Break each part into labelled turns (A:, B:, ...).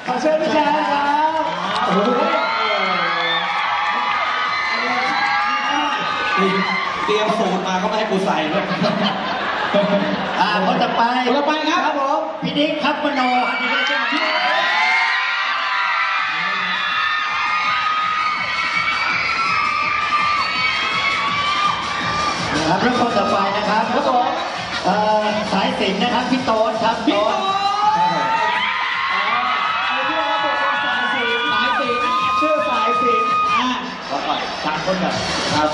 A: ขอเชิญพี่แจ๊คครับโอ้โห
B: เตรียมสูตรมาก็ไม่ให้กูใส่ด้วย
C: คนต่อไป
A: คนต่อไปครับผม
C: พี่นิกครับมโนฮันนี่ใช่ไหมนะครับแล้วคนต่อไปนะครับ
A: ครับผม
C: สายสิญจน์นะครับพี่โต๊ดครับ
A: พี่โต๊ดชื่อสายสิญจน์
C: ขอก่อนสามคนก่อนครับ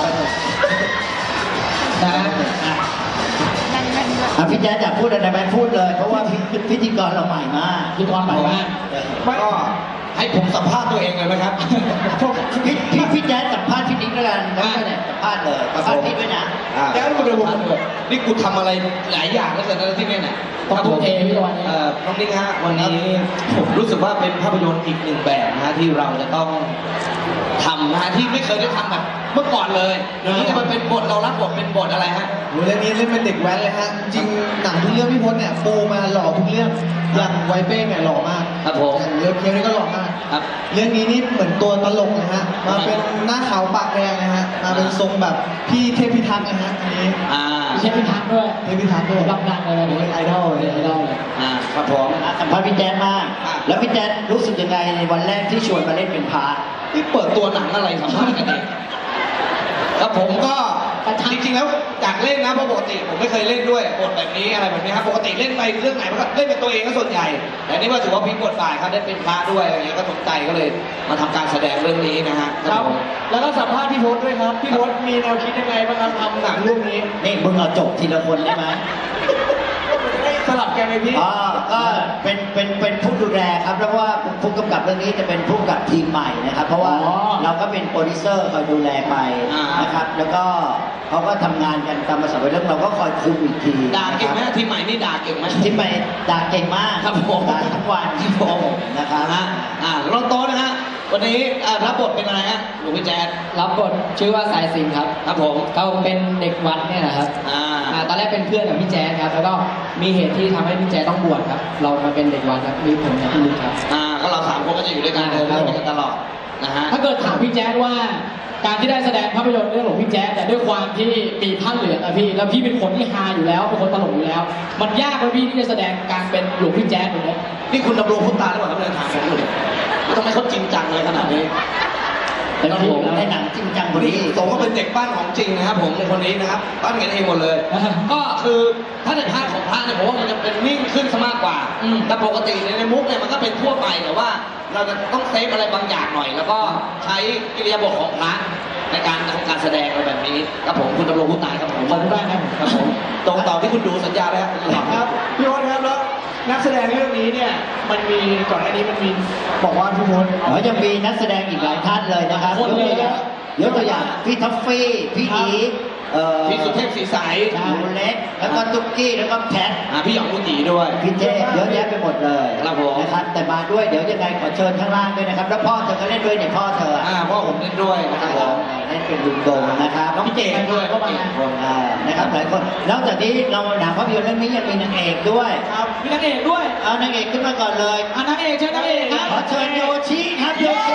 C: พี่แจ๊ดอยากพูดอะไรไหมพูดเลยเพราะว่าพิธีกรเราใหม่มาก
A: พิธีกรใหม่มาก
B: ก็ให้ผมสัมภาษณ์ตัวเองเลยไหมครับ
C: พี่แจ๊ดสัมภาษณ์พี่นิกแล้วกันแล้วก็เนี่ยสัมภาษณ์เลยสัมภาษณ์พี่ด้วยนะ
B: แจ๊ดกูเดินผมนี่กูทำอะไรหลายอย่างแล้วเสร็จแล้วที่นี่เนี่ย
A: ต้องทุ่มเทพี่ตะวันนี้
B: น้องนิกฮะวันนี้ผมรู้สึกว่าเป็นภาพยนตร์อีกหนึ่งแบบนะฮะที่เราจะต้องทำนะฮะที่ไม่เคยได้ทำแบบเมื่อก่อนเลยนี่จะมาเป็นบทเรารับบทเป็นบทอะไรฮะ
D: เรื่องนี้เล่นเป็นเด็กแว้นเลยฮะจริงหนังทุกเรื่องพี่พจน์เนี่ยปูมาหล่อทุกเรื่องอย่างไวเป้งเนี่ยหล่อมาก
B: ครับผม
D: เรื่องเคียวนี่ก็หล่อมาก
B: ครับ
D: เรื่องนี้นี่เหมือนตัวตลกนะฮะมาเป็นหน้าขาวปากแดงนะฮะมาเป็นทรงแบบพี่เทพพิทักษ์นะฮะอันนี้
A: เทพพิทักษ์ด้วย
D: เทพพิทักษ์ด้วย
A: รับดังเลย
D: ไอดอลเลย
C: ครับผมสัมภาษณ์พี่แจ๊ดมากแล้วพี่แจ๊ดรู้สึกยังไงในวันแรกที่ชวนมาเล่นเป็นพาร์ท
B: ที่เปิดตัวหนังอะไรสัมภาษณ์กันเองครับผมก็จริงๆแล้วอยากเล่นนะเพราะปกติผมไม่เคยเล่นด้วยบทแบบนี้อะไรแบบนี้ครับปกติเล่นไปเรื่องไหนมันก็เล่นเป็นตัวเองก็ส่วนใหญ่แต่นี่ว่าถือว่าพลิกบทบาทครับได้เป็นพระด้วยอะไรเงี้ยก็สนใจก็เลยมาทำการแสดงเรื่องนี้นะฮะ
A: ครับแล้วก็สัมภาษณ์พี่พจน์ด้วยครับพี่พจน์มีแนวคิดยังไงบ้างครับทำหนังเรื่องนี้
C: นี่มึงเอาจบทีละคนได้ไหม
A: สลับกันไหมพี่
C: ก็เป็นผู้ดูแลครับแล้วว่าผู้กำกับเรื่องนี้จะเป็นผู้กำกับทีมใหม่นะครับเพราะว่าเราก็เป็นโปรดิวเซอร์คอยดูแลไปนะครับแล้วก็เขาก็ทำงานกันตามภาษาวัยรุ่นเราก็คอยคุมอีกที
B: ด่าเก่งไหมทีมใหม่นี่ด่าเก่งไหม
C: ทีมใหม่ด่าเก่งมาก
B: ครับผม
C: ด่าทั้งวันที่ผมนะครับ
B: รองโต๊ะนะฮะวันนี้รับบทเป็นอะไรฮะหลวงพี่แจ๊ด
A: รับบทชื่อว่าสายสิญจน์ครับ
B: ครับผม
A: เขาเป็นเด็กวัดเนี่ยนะครับตอนแรกเป็นเพื่อนกับพี่แจ๊ดครับแล้วก็มีเหตุที่ทำให้พี่แจ๊ดต้องบวชครับเรามาเป็นเด็กวัดครับมีผมกับพี่ลุงครับ
B: ก็เราสามคนก็จะอยู่ด้วยกันเดินเรื่องกันตลอดนะฮะ
A: ถ้าเกิดถามพี่แจ๊ดว่าการที่ได้แสดงภาพยนตร์เรื่องหลวงพี่แจ๊ดแต่ด้วยความที่มีผ้าเหลืองอะพี่แล้วพี่เป็นคนที่ฮาอยู่แล้วเป็นคนตลกอยู่แล้วมันยากไหมพี่ที่จะแสดงการเป็นหลวงพี่แจ๊ดตรงนี้
B: นี่คุณดำรงพุทธาหรือเปล่าครับเนี่ยถามผมดูทำไมเขาจริงจังเลยขนาดนี้
C: แต่ผมในหนังจริงจังคนนี้
B: ผมก็เป็นเด็กบ้านของจริงนะครับผมในคนนี้นะครับบ้านกันเองหมดเลยก็คือถ้าในภาคของพระเนี่ยผมว่ามันจะเป็นนิ่งขึ้นซะมากกว่าแต่ปกติในมุกเนี่ยมันก็เป็นทั่วไปแต่ว่าเราจะต้องเซฟอะไรบางอย่างหน่อยแล้วก็ใช้กิริยาบทของพระในการทำการแสดงอะไรแบบนี้ครับผมคุณดำรงพุทธาครับผม
A: ขอบคุณมากครับ
B: ผมตรงต่อที่คุณดูสัญญาแล้ว
A: ครับพี่พจน์ครับแล้วนักแสดงเรื่องนี้เนี่ยมันมีก่อนหน้านี้มันมีบอกว่าพี่พจน์
C: จะมีนักแสดงอีกหลายท่านเลยนะครับยกตัวอย่างพี่ท็อฟฟี่พี่อี
B: พี่สุเทพศรีใส
C: หนูเล็กแล้วก็ตุ๊กกี้แล้วก็แพท
B: พี่หยองลูกหยีด้วย
C: พี่เทพเยอะแยะไปหมดเลยนะครับแต่มาด้วยเดี๋ยวยังไงขอเชิญข้างล่างด้วยนะครับแล้วพ่อเธอก็เล่นด้วยเนี่ยพ่อเธอ
B: พ่อผมเล่นด้วยนะครับ
C: เล่นเป็นลุงโดนะครับ
B: น้องเจนด้วย
C: ก็มานะครับหลายคนนอกจากนี้เราหนังภาพยนตร์เรื่องนี้ยังมีนางเอกด้วย
A: ครับมีนางเอกด้วย
C: นางเอกขึ้นมาก่อนเลย
A: นางเอกเชิญนางเอกครับ
C: ขอเชิญโยชิครับโยชิ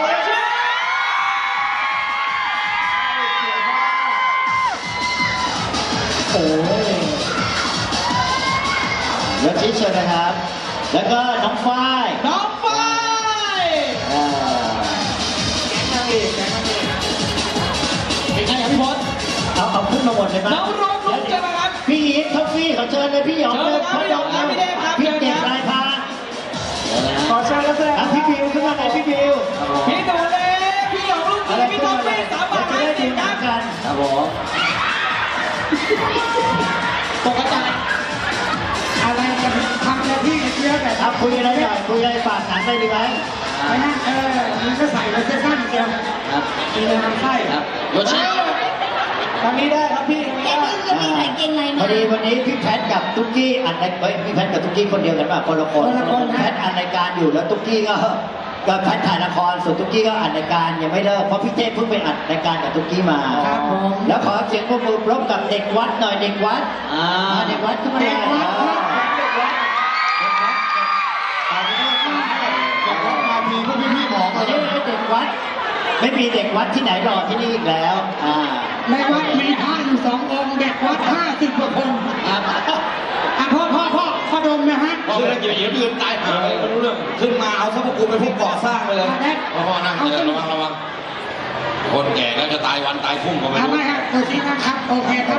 A: โอ้ย
C: ยศชิเชิญนะครับแล้วก็น้องฝ้าย
A: นางเอกเป็นไงครับพี่พจน์
C: เอาขึ้นมาหมดเลยมั้ย
A: น้องร้องลุกใช่ไหมครับ
C: พี่อีทท็อฟฟี่ขอเชิญเลยพี่หยองเลย
A: พี่หยองพี่เด้ครับ
C: พี่เด็กรายพา
A: ขอเชิญแล้วแสดง
C: พี่บิวขึ้นมาเลยพี่บิว
A: พี่ตัวเล็กพี่หยองลูกพี่ท็อฟฟี่3 บาท50ครับ
C: ครับผม
A: ตกใจอะไรจะทำอะไรที่เยอะแต่
C: คุยอะไรหน่อยคุยอะไรฝากหนังได้ดีไหม
A: ไม่นั่นมันก็ใส่เลยเส้นสั้นเดียวมีเลยมันไส้
B: ครับโยชิ
A: ทางนี้ได้ครับพี่
C: พอดีวันนี้พี่แพทกับตุ๊กกี้อัดพี่แพทกับตุ๊กกี้คนเดียวกันป่ะคนละคนแพทอัดรายการอยู่แล้วตุ๊กกี้ก็แพทถ่ายละครส่วนตุ๊กกี้ก็อัดรายการยังไม่เลิกเพราะพี่เต้เพิ่งไปอัดรายการกับตุ๊กกี้มาแล้วขอเสียงปรบมือพร้อมกับเด็กวัดหน่อยเด็กวัดเด็กวัดขึ้นมาเด็กวัดไม่มีเด็กวัดที่ไหนรอที่นี่อีกแล้ว
E: ในวัดมีพระอยู่2 องค์เด็กวัด50 กว่าคน
B: ครับ
E: พ่อดมนะฮะ
B: พอเรื่องเกี่ยวกับยืนตายหาเลยไม่รู้เรื่องขึ้นมาเอาซะพวกกูเป็นพวกก่อสร้างไปเลย
F: พ่อนั่งเดินระวังคนแก่ก็จะตายวันตายพรุ่งก็ไม่
E: ทำ
F: รู้
E: ไมฮะตัวชี้นะครับโอเคครับ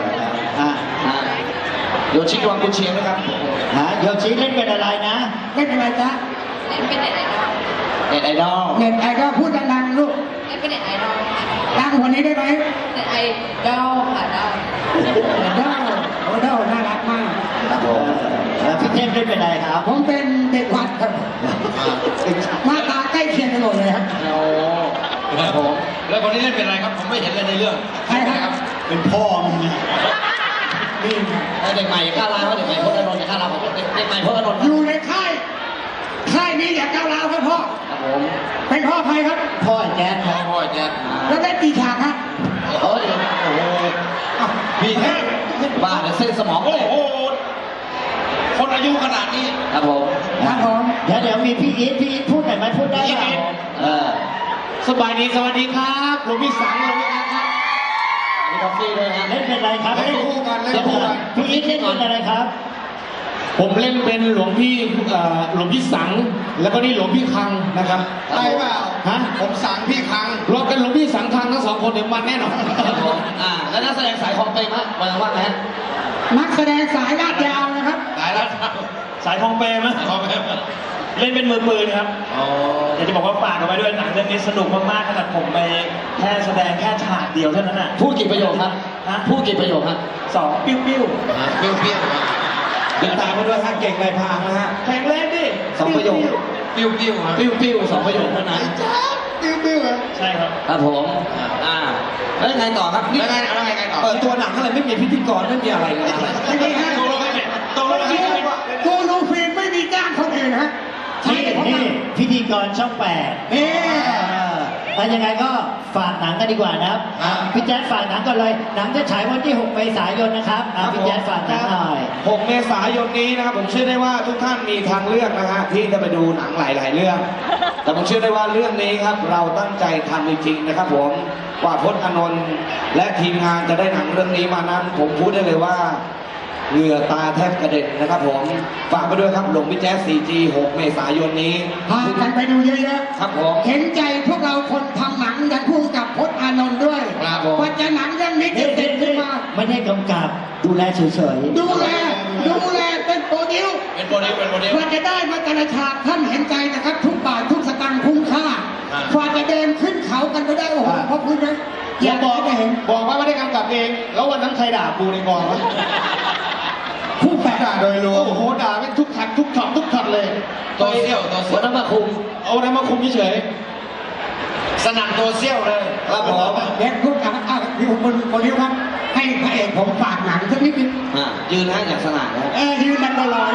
B: โยชิวังกุเชียงนะครับ
C: โยชิเล่นเป็นอะไรนะ
E: ไม่เป็นไรจ๊ะ
G: เล่นเป็นเน็ตไอดอล
B: เน็ตไอดอล
E: เน็ตไอดอลพูดดังๆลูก
G: เล่นเป็นเน็ตไอดอล
E: ดังกว่านี้ได้ไหม
G: เน็ตไอดอลค่ะดอล
E: ดอลโอ้ดอลน่ารักมาก
C: ครับผมแล้วพี่เทพเล่นเป็นอะไรครับ
E: ผมเป็นเด็กวัดครับหน้าตาใกล้เคียงกันหมดเลยครับ
B: โอ้ครับผม
F: แล้วคนนี้เล่นเป็นอะไรครับ ผมไม่เห็นเลยในเรื่อง
E: ใครครับ
C: เป็นพ่อมึงนะ
E: นี่
B: เด็กใหม่ข้าวร้าวเด็กใหม่พจน์อานนท์ข้าวร้าวเด็กใหม่พจน์อานนท์
E: อยู่ในค่ายนี้อย่าก้าวร้าวครับพ่อ
B: ครับผม
E: เป็นพ่อใครครับ
C: พ่อแจ๊ดครับ
F: พ่อแจ๊ด
E: แล้วได้กี่ฉากครับ
B: โอ้ยโอ้โห
F: พี่เทพ
B: บ้าเดี๋ยวเส้นสมองแต
F: โอ้
B: ก
F: โห คนอายุขนาดนี้
B: ครับผม
E: ครับผม
C: เดี๋ยวมีพี่อีทพูดหน่อยไหมพูดได้ไหม
B: เออ
A: สบายดีสวัสดีครับหลวงพี่สังหลวงพี่อังครับ
B: มีกาแฟด้วยนะ
C: เล่นเป็นอะไรครับ
F: เล่นคู่กันเล่นคู่กัน
C: พี่อีทเล่นเป็นอะไรครับ
A: ผมเล่นเป็นหลวงพี่สังแล้วก็นี่หลวงพี่คังนะครับ
F: ใช่เปล่า
A: ฮะ
F: ผมสั่งพี่คัง
A: รวมกันหลวงพี่สังคังทั้ง2 คนเดี๋ยวมันแน่นอน
B: ครับผมแล้วนักแสดงสายคองเปย์มั้ยว่าไงฮะ
E: นักแสดงสายลาดยาวนะครับ
F: ตายแล้ว
H: สายทองเปรมนะ
F: พ่อแม่
H: เล่นเป็นมือปืนครับ
F: อ๋อ
H: อยากจะบอกว่าฝากเอาไว้ด้วยหนังเรื่องนี้สนุกมากๆขนาดผมไปแค่แสดงแค่ฉากเดียวเท่านั้นน่ะ
B: พูดกี่ประโยคครับ
H: ฮะ
B: พูดกี่ประโยคครับ
H: 2 ปิ้ว
F: เปรี้ยวๆนะ
B: ติดตามไปด้วยฮะเก่งในพางนะฮะ
H: ๆแข็งแรงดิ
B: 2 ประโยค
F: เปรี้ยวๆนะ
B: ปิ้วๆ2 ประโยคเท่านั้น
H: ใช่ครับ
B: ครับผมแล้วยังไงต่อครับนี่
F: แล้วไงต่อ
B: เปิดตัวหนังอะไรไม่มีพิธีกรไม่มีอะไรเลย
E: ไม่มีฮะ
F: ตกลงไม่เป็นตกลงไม่เป็น
E: กูรูฟิล์มไม่มีจ้างคนอื่นฮะใช่
C: นี่พิธีกรช่อง 8
E: นี่
C: แล้วยังไงก็ฝากหนังกันดีกว่านะครับพี่แจ๊ดฝากหนังก่อนเลย หนังจะฉายวันที่ 6 เมษายนนะครับพี่แจ๊ดฝากหนังหน่อย
B: 6 เมษายนนี้นะครับผมเชื่อได้ว่าทุกท่านมีทางเลือกนะฮะที่จะไปดูหนังหลาย ๆ เรื่อง แต่ผมเชื่อได้ว่าเรื่องนี้ครับเราตั้งใจทำจริง ๆ นะครับผมกว่าพจน์อานนท์และทีมงานจะได้หนังเรื่องนี้มานั้น ผมพูดได้เลยว่าเหงื่อตาแทบกระเด็นนะครับผมฝากไปด้วยครับหลวงพี่แจ๊ส 4G 6 เมษายนนี้
E: พากันไปดูเยอะ
B: ครับผม
E: ๆเห็นใจพวกเราคนทำหนังยันพุ่งกับพจน์อานนท์ด้วย
B: ครับผม
E: กว่าจะหนังเรื่องนี้จะเสร็จขึ้นมา
C: ไม่ได้กำกับดูแลเฉยๆ
E: ดูแลเป็นโปรดิว
F: เป็นโมเดลเป็นโมเดล
E: กว่าจะได้มาแต่ละฉากท่านเห็นใจนะครับ ทุกบาททุกสตางค์คุ้มค่า
F: อ่า
E: กว่าจะเดินขึ้นเขากันไปได้โอ้โหขอบคุณนะอยากจะเห็น
A: บอกว่าไม่ได้กำกับเอง แล้ววันนั้นใครด่ากูในกองวะ
E: ผู้แปด
A: ด่าโดยรวมโอ้โหด่าเป็นทุกช็อตทุกช็อตเลย
F: ตัวเซี่ยวตัว
B: วั
F: เซี่
B: น
F: ยว
B: นั้นมาคุม
A: เอาอะไรมาคุมเฉย
F: สนั่นตัวเซี่ยวเลย
B: ครับผม
E: เด็กพูดกับพี่คนโปรดิวครับ ให้พระเอกผมฝากหนังสักนิดนึง
B: ยืนนะอย่างสนานนะครับ
E: ยืนมันตลอด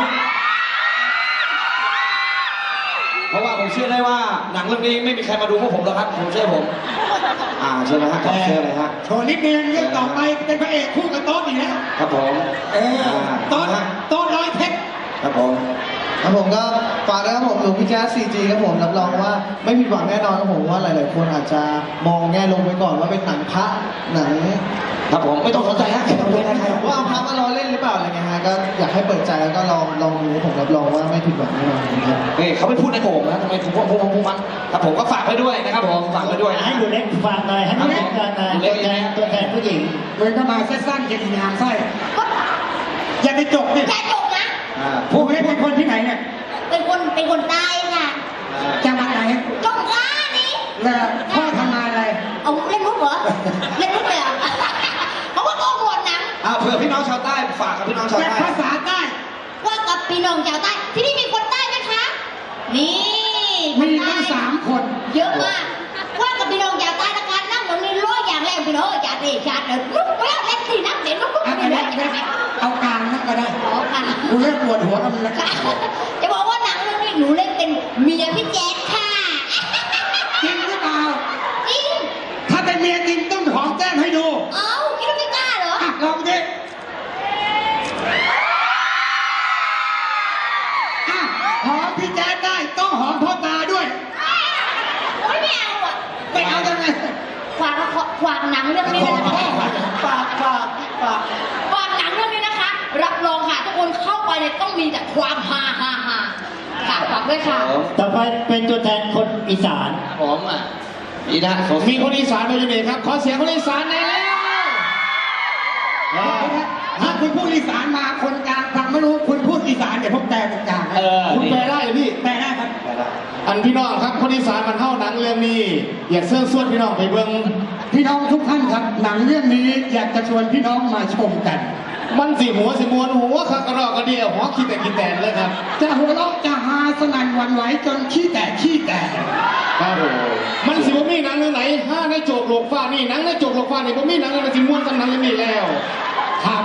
B: เพราะว่าผมเชื่อได้ว่าหนังเรื่องนี้ไม่มีใครมาดูพวกผมหรอกครับผมเชื่อผมเชื่อไหมฮะเชื่อเลยฮะ
E: โชว์นิดนึงเรื่องต่อไปเป็นพระเอกคู่กับโต๊ดอีกแล้ว
B: ครับผม
E: โต๊ดร้อยเพชร
B: ครับผม
D: ครับผมก็ฝากนะครับผมหลวงพี่แจ๊ส 4G ครับผมรับรองว่าไม่ผิดหวังแน่นอนครับผมว่าหลาย ๆ คนอาจจะมองแง่ลงไปก่อนว่าเป็นหนังพระหนัง
B: ครับผมไม่ต้องสนใจฮะแค่ต้องเล่นนะครับ
D: ว่าเอาพระมาล้อเล่นหรือเปล่าอะไรเงี้ยฮะก็อยากให้เปิดใจแล้วก็ลองดูผมรับรองว่าไม่ผิดหวังแน่นอนครับ
B: นี่เขาไม่พูดในผมนะทำไมผมพูดมันครับผมก็ฝากไปด้วยนะครับผมฝากไปด้วย
C: ให้ดูเล็กฟังหน่อยให้ดูเล็กฟังหน่อยตัวแทนผู้หญิง
E: เหมือนก็มาสั้นๆเก็บงามไส้อย่าไปจบดิ
G: อย่าจบนะ
E: ผู้ไม่เป็นคนที่ไหนเนี่ย
G: เป็นคนใต้ค่ะ
E: จังหวัดไหน
G: จงกล้านี่
E: แล้วพ่อทำงานอะไร
G: เอาเล่นมุกเหรอ เล่นมุกเลยเหรอเขาก็โปรโมทหนัง
B: เผื่อพี่น้องชาวใต้ฝากกับพี่น้องชาว
E: แต่
B: ใต้
E: ภาษาใต้
G: ว่ากับพี่น้องชาวใต้ ที่นี่มีคนใต้ไหมคะ นี่
E: มี
G: คน
E: ตั้ง
G: ใต้
E: 3 คน
G: เยอะมาก ว่ากับพี่น้องชาวใต้นะคะนั่งตรงนี้ร้อยอย่างแรกพี่น้องอย่าเตะชาติเลยลุกไปแล้วเล่นสินั่งเด็ดลุก
E: เอา
G: ไป
E: ก็
G: เล
E: ได้
G: ย
E: เอากลางนั่นก็ได้
G: ขอค่ะ
E: กูเริ่มปวดหัวกับมันแล้ว
G: จะบอกว่าหนังเรื่องนี้หนูเล่นเป็นเมียพี่แจ๊คค่ะ
E: จริงหรือเปล่า
G: จริง
E: ถ้าเป็นเมียจริงต้องหอมแก้มให้ดู
G: เอ้าคิดว่าไม่กล้าเหรอ
E: อ่ะลองดิอ่ะหอมพี่แจ๊ดได้ต้องหอมพ่อตาด้วย
G: โอ๊ยไม่เอาอ่ะ
E: ไม่เอายังไง
G: เนี่ยต้องมีแต่ความฮาฮาฮาค่ะฝากด้วยค่ะ
C: ต่อไปเป็นตัวแทนคนอีสาน
B: ผมอีนะผม
E: มีคนอีสานมาอยู่นี่ครับ ขอเสียงคนอีสานหน่อยแล้วถ้าคุณพูดอีสานมาคนกลางฟังไม่รู้คุณพูดอีสานเดี๋ยวผมแปลเป็นกลางให้คุณแปลได้เหรอพี่แปลได้ครับ อันพี่น้องครับคนอีสานมันเท่าหนังเรื่องนี้ อยากเสื้อส่วนพี่น้องไปเบิ่งพี่น้องทุกท่านครับ หนังเรื่องนี้อยากจะชวนพี่น้องมาชมกัน มันสิหัวสิมวนหัวคักกระรอกกระเดียวหัวขี้แต่ขี้แตนเลยครับจะหัวเราะจะฮาสนั่นหวันไหวจนขี้แตกครับผมมันสิบ่มีหนังเรื่องไหนห้าในโจกโลกฟ้านี่หนังในโจกโลกฟ้านี่บ่มีหนังอะไรสิม่วนสำหนังอย่างนี้แล้วครับ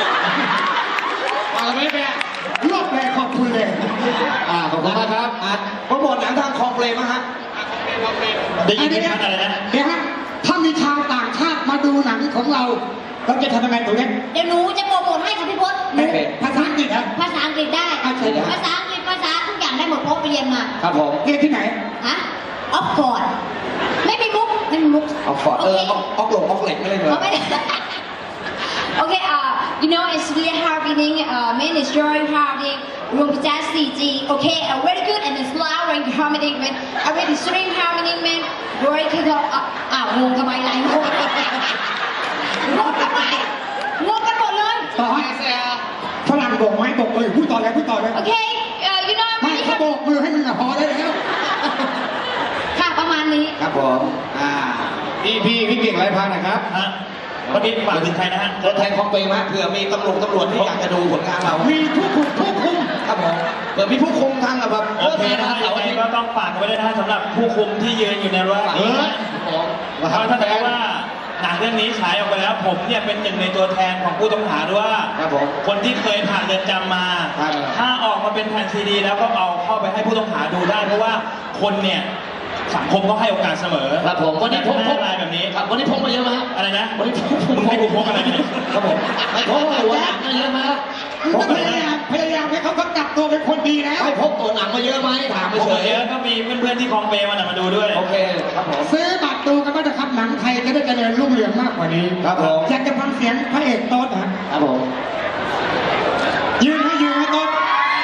E: อะไรไม่แปลรวบเลยขอบคุณเลยขอบคุณมากครับ
B: โปรโมทหนังทางคลองเปรมฮะ
H: ได้ยินไหมอะไรนะ
E: เดี๋ยวฮะถ้ามีชาวต่างชาติมาดูหนังของเราเราจะทำยังไงตรงนี้
G: เดี๋ยวหนูจะโปรโมทให้ค่ะพี่พศหนู
E: ภาษาอังกฤษครับ
G: ภาษาอังกฤษได้
E: เชิญเลยครับ
G: ภาษาอังกฤษภาษาทุกอย่างได้หมดเพราะไปเรียนมา
B: ครับผม
E: เรียนที่ไหน
G: ฮะออกฟอร์ดไม่มีมุกไม่มีมุก
B: ออกฟอร์ดออกหลงออกเหล็กไม่เลยเหรอ
G: เขาไม่ได้ Okay, you know, it's really happening, man, it's very happening. Room Jazz CG, okay, very good and it's loud and harmonic, man. Already stream harmonic, man. Very good. งงทำไมไรงงงงทำไมงงกันหมดเลย
E: ต่อให้ฝรั่งโบกไม้โบกเลยพูดต่อเลย
G: Okay, you know,
E: ไม่
G: really
E: เขาโบกมือให้มึงอะพอได้แล้ว
G: ค่ะประมาณนี้
B: ครับผม
E: พี่เก่งไรพันนะครับ
H: ฮะวันนี้ฝากถึงใครนะฮะ
B: ตัวแทนคลองเปรมเผื่อมีตำรวจที่อยากจะดูผลงานเรา
E: มีผู้คุม
B: ครับผมเผื่อมีผู้คุมทางแบบ
H: โอเคนะฮะยังไงก็ต้องฝากไว้ด้วยนะฮะสำหรับผู้คุมที่ยืนอยู่ในรั้วหลังนี้นะเพราะถ้าสมมติว่าหนังเรื่องนี้ฉายออกไปแล้วผมเนี่ยเป็นหนึ่งในตัวแทนของผู้ต้องหาด้วยว่า
B: ครับผม
H: คนที่เคยผ่านเรือนจำมา ถ้าออกมาเป็นแผ่นซีดีแล้วก็เอาเข้าไปให้ผู้ต้องหาดูได้ เพราะว่าคนเนี่ยสังคมก็ให้โอกาสเสมอ
B: ครับผมวันนี้พก
H: อะไรแบบนี้
B: ครับวันนี้พกมาเยอะไหม
H: อะไรนะ
B: วันนี้พก
H: มึงให้กูพกอะไรเนี่ย
B: ครับผมไม่พกตัวหนังมาเยอะไหม
E: มึงก็พยายามให้เขากลับตัวเป็นคนดีแล้ว
B: ไม่พกตัวหนังมาเยอะไหมถาม
H: ผ
B: ไป
H: ม
B: เฉย
H: เยอะก็มีเพื่อนๆที่คลองเปรมาดูด้วย
B: โอเคครับผม
E: ซื้อบัตรดูกันว่าจะครับหนังไทยจะได้เจริญรุ่งเรืองมากกว่านี้
B: ครับผม
E: อยากจะฟังเสียงพระเอกโต๊ดนะครับ
B: ผม
E: ยืนให้โต๊ด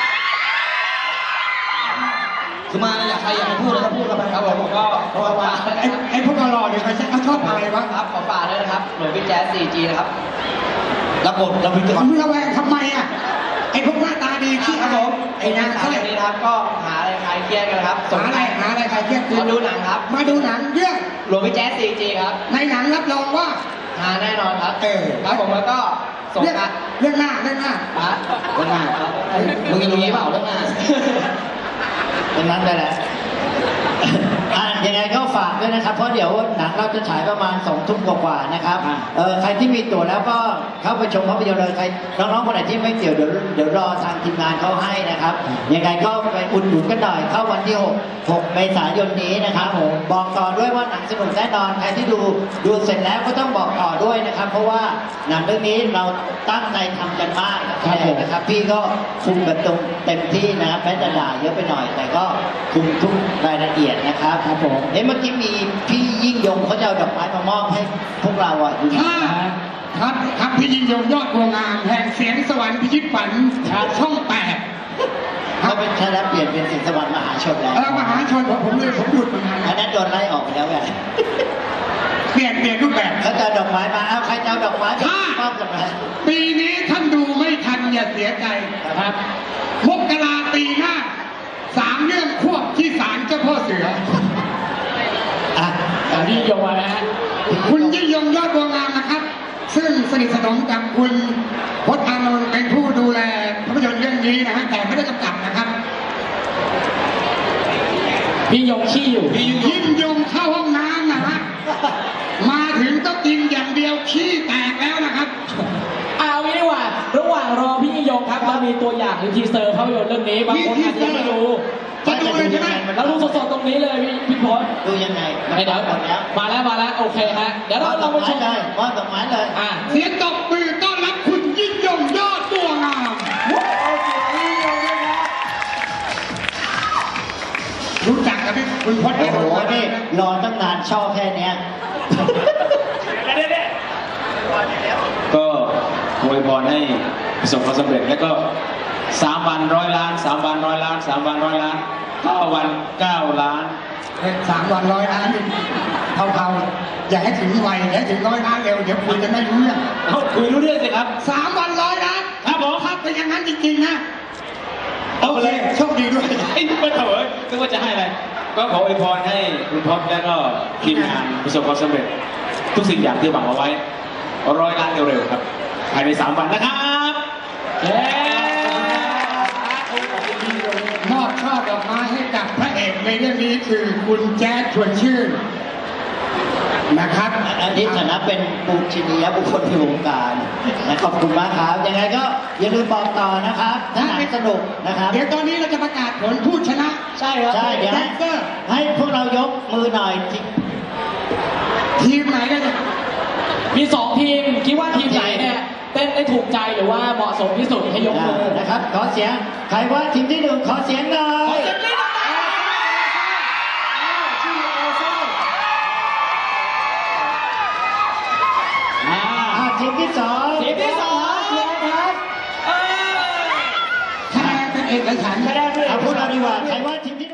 B: คือมาอยากใครอยากจะพูดอะไรก็พูดกันไปครับผมก็เพราะว่า
E: ไอ้พวกหล่อๆเนี่ยเขาชอบอะไรวะ
B: ครับขอฝากด้วยนะครับหน่วยพี่แจ๊ส 4G นะครับรับบทเราพิจาร
E: มึงระแวงทำไมอ่ะไอ้พวกหน้าตาดีขี้
B: ครับผม
E: ไอ้นางเขาเลย
B: นี้นะครับก็หาอะไรคลายเครียดกันครับ
E: หาอะไรใครเครียด
B: มาดูหนังครับ
E: มาดูหนังเรื่อง
B: หลวงพี่แจ๊ส 4G ครับ
E: ในหนังรับรองว่า
B: หาแน่นอนครับ
E: ครับผมแล้วก็เรื่องหน้า
B: เรื่องหน้ามึงยังรู้เปล่าเรื่องหน้า
C: ดังนั้นไปแหละยังไงก็ฝากด้วยนะครับ เพราะเดี๋ยวหนังเราจะฉายประมาณ2 ทุ่มกว่าๆนะครับใครที่มีตั๋วแล้วก็เข้าไปชมภาพยนตร์เลยใครน้องๆคนไหนที่ไม่เกี่ยวเดี๋ยวรอทางทีมงานเขาให้นะครับยังไงก็ไปอุดหนุนกันหน่อยเข้าวันที่6 เมษายนนี้นะครับบอกต่อด้วยว่าหนังสนุกแน่นอนใครที่ดูเสร็จแล้วก็ต้องบอกต่อด้วยนะครับ เพราะว่าหนังเรื่องนี้เราตั้งใจทำกันมากนะครับพี่ก็คุมกันตรงเต็มที่นะครับแม้จะด่าเยอะไปหน่อย แต่ก็คุมทุกรายละเอียดนะครับครับผมเมื่อกี้มีพี่ยิ่งยงเขาจะเอาดอกไม้มามอบให้พวกเราอ่ะอยู่
E: ครับพี่ยิ่งยงยอดบัวงามแห่งเสียงสวรรค์พิชิตฝันช่อง8
C: เขาเป็นแค่แล้วเปลี่ยนเป็นเสียงสวรรค์มหาชนแล้ว
E: มหาชนผมหยุดมานาน
C: อันนั้นโดนไล่ออกไปแล้วไง
E: เปลี่ยนรูปแบบ
C: เขาจะเอาดอกไม้มาเอาใครจะเอาดอกไม้มอบกันไหม
E: ปีนี้ท่านดูไม่ทันอย่าเสียใจครับมกราปีหน้า3 เรื่องควบที่ศาลเจ้าพ่อเสือ
A: ยิ่งยงนะฮะ
E: คุณยิ่งยงยอดบัวงามนะครับ ซึ่งสนิทสนมกับคุณพจน์อานนท์เป็นผู้ดูแลภาพยนตร์เรื่องนี้นะฮะแต่ไม่ได้กำกับนะครับ
A: พี่ยงขี้อยู่
E: ยิ่งยงเข้าห้องน้ำนะฮะมาถึงก็กินอย่างเดียวขี้แตกแล้วนะครับ
A: เอางี้ดีกว่าระหว่างรอพี่ยิ่งยงครับเรามีตัวอย่างหรือทีเซอร์ภาพยนตร์เรื่องนี้บางคนอาจจะยังไม่รู้
E: จะดูเลยใช่ไหม
A: เราดูสดๆตรงนี้เลยพี่พศ
C: ดูยังไง
A: เดี๋ยวมาแล้วโอเคฮะเดี๋ยวเราลองไปชม
C: เลยมอบดอกไม้เลย
E: เสียงตบมือต้อนรับคุณยิ่งยงยอดบัวงามรู้จักกับคุณพจน์
C: โอ้โหนี่รอตั้งนานชอบแค่เนี้ย
I: ก็อวยพรให้ประสบความสำเร็จและก็
F: 3 วัน100 ล้าน 3 วัน100 ล้าน 3 วัน100 ล้าน9 วัน 9 ล้าน
E: 3 วัน100 ล้านนี่เท่าๆอย่าให้ถึงไวอย่าให้ถึง100 ล้านเร็วเดี๋ยวคุยกันไม่รู้เรื่อง
F: เอาคุยรู้เรื่องสิครับ
E: 3 วัน100 ล้าน
F: ครับผม
E: ถ้าเป็นอย่างนั้นจริงๆนะโอเคโชคดีด้วย
F: ไอ้นี่มันเถอะนึกว่าจะให้อะไร ก็ขออวยพรให้คุณท็อปและก็ทีมงานประสบความสำเร็จ ทุกสิ่งอย่างที่หวังเอาไว้100 ล้านเร็วๆครับภายใน3 วันนะครับเย้
E: มอบช่อดอกไม้ให้กับพระเอกในเรื่องนี้คือคุณแจ๊ดชวนชื่นนะครับ
C: อันนี้ฐานะเป็นปูชนียบุคคลในวงการนะขอบคุณมากครับยังไงก็อย่าลืมบอกต่อนะครับถ้าหนังสนุกนะครับ
E: เดี๋ยวตอนนี้เราจะประกาศผลผู้ชนะ
A: ใช่ครับ
C: ใช่เดี๋ยว
E: แด
C: ให้
E: นเซอร์
C: ให้พวกเรายกมือหน่อยที่
E: ทีมไหนกัน
A: มี2 ทีมคิดว่าทีมไหนเนี่ยเต้นได้ถูกใจหรือว่าเหมาะสมที่สุดให้ยกมือ
C: นะครับขอเสียงใครว่าทีมที่1ขอเสียงหน่อย ทีมที่2
A: ทีมที่ 2
C: ครับ
E: คะแนนเป็นเอกฉันท์
C: เอาพูดเราดีกว่าใครว่าทีมที่